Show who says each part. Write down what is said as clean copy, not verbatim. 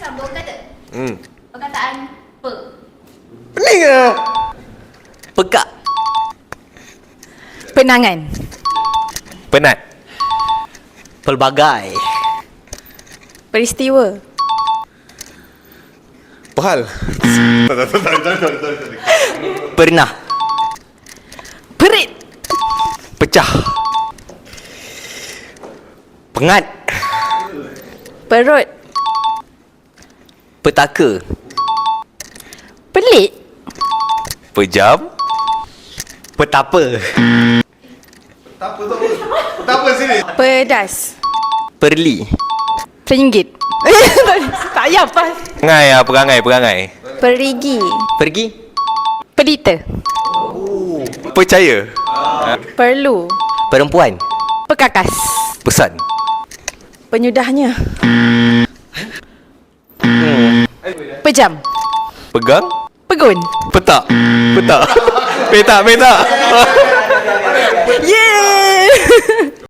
Speaker 1: sambung kata.
Speaker 2: Hmm.
Speaker 1: Perkataan pe.
Speaker 2: Pening ke?
Speaker 3: Pekak.
Speaker 4: Penangan.
Speaker 2: Penat.
Speaker 3: Pelbagai.
Speaker 4: Peristiwa.
Speaker 2: Pehal.
Speaker 3: Pernah.
Speaker 4: Perit.
Speaker 2: Pecah.
Speaker 3: Pengat.
Speaker 4: Perut.
Speaker 3: Petaka.
Speaker 4: Pelik.
Speaker 2: Pejam.
Speaker 3: Petapa.
Speaker 4: Pedas.
Speaker 3: Perli.
Speaker 4: Peringgit. Tak payah apa.
Speaker 2: Perangai.
Speaker 4: Perigi.
Speaker 3: Pergi.
Speaker 4: Pelita.
Speaker 2: Percaya.
Speaker 4: Perlu.
Speaker 3: Perempuan.
Speaker 4: Pekakas.
Speaker 2: Pesan.
Speaker 4: Penyudahnya. Pejam.
Speaker 2: Pegang.
Speaker 4: Pegun.
Speaker 2: Petak. Petak. Petak.
Speaker 4: Yeay.